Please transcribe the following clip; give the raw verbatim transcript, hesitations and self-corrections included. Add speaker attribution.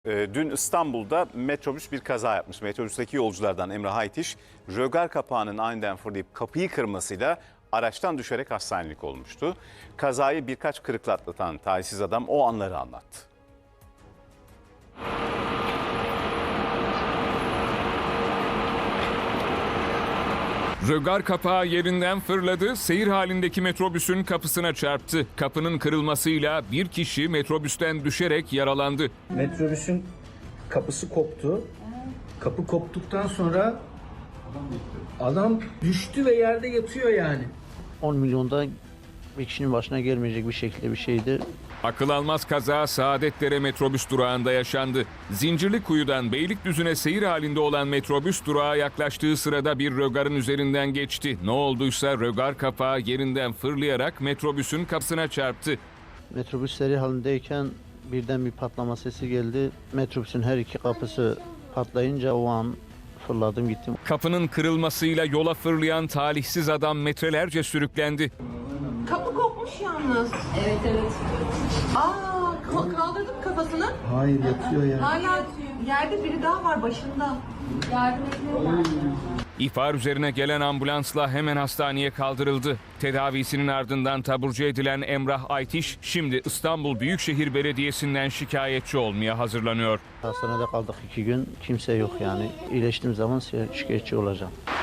Speaker 1: Ee, Dün İstanbul'da metrobüs bir kaza yapmış. Metrobüsteki yolculardan Emrah Aytiş, rögar kapağının aniden fırlayıp kapıyı kırmasıyla araçtan düşerek hastanelik olmuştu. Kazayı birkaç kırıkla atlatan talihsiz adam o anları anlattı.
Speaker 2: Rögar kapağı yerinden fırladı, seyir halindeki metrobüsün kapısına çarptı. Kapının kırılmasıyla bir kişi metrobüsten düşerek yaralandı.
Speaker 3: Metrobüsün kapısı koptu. Kapı koptuktan sonra adam düştü ve yerde yatıyor yani.
Speaker 4: on milyonda bir kişinin başına gelmeyecek bir şekilde bir şeydi.
Speaker 2: Akıl almaz kaza Saadetdere metrobüs durağında yaşandı. Zincirlikuyu'dan Beylikdüzü'ne seyir halinde olan metrobüs durağa yaklaştığı sırada bir rögarın üzerinden geçti. Ne olduysa rögar kapağı yerinden fırlayarak metrobüsün kapısına çarptı.
Speaker 4: Metrobüs seri halindeyken birden bir patlama sesi geldi. Metrobüsün her iki kapısı patlayınca o an fırladım gittim.
Speaker 2: Kapının kırılmasıyla yola fırlayan talihsiz adam metrelerce sürüklendi.
Speaker 5: Kapı kopmuş yalnız. Evet evet. Aa ka- kaldırdım kafasını.
Speaker 3: Hayır yatıyor yani.
Speaker 5: Hala yerde biri daha var başında. Yardım etmiyorlar.
Speaker 2: İhbar üzerine gelen ambulansla hemen hastaneye kaldırıldı. Tedavisinin ardından taburcu edilen Emrah Aytiş şimdi İstanbul Büyükşehir Belediyesi'nden şikayetçi olmaya hazırlanıyor.
Speaker 4: Hastanede kaldık iki gün, kimse yok yani. İyileştiğim zaman şikayetçi olacağım.